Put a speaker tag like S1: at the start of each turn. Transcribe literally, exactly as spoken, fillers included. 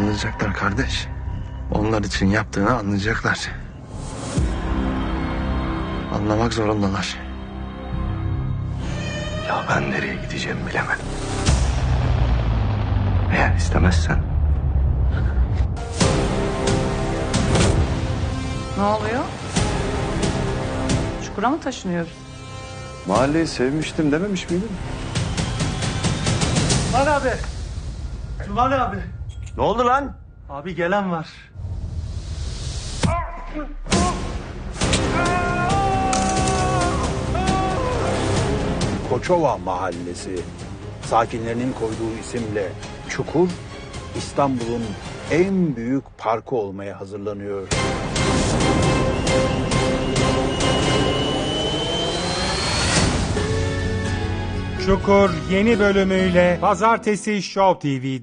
S1: Anlayacaklar kardeş. Onlar için yaptığını anlayacaklar. Anlamak zorundalar.
S2: Ya ben nereye gideceğimi bilemedim. Eğer istemezsen
S3: Ne oluyor? Çukura mı taşınıyoruz?
S2: mahalleyi sevmiştim dememiş miydin?
S4: Cumali abi. Cumali abi.
S2: Ne oldu lan?
S4: Abi gelen var.
S5: Koçova Mahallesi sakinlerinin koyduğu isimle Çukur, İstanbul'un en büyük parkı olmaya hazırlanıyor.
S6: Çukur yeni bölümüyle Pazartesi Show T V'de.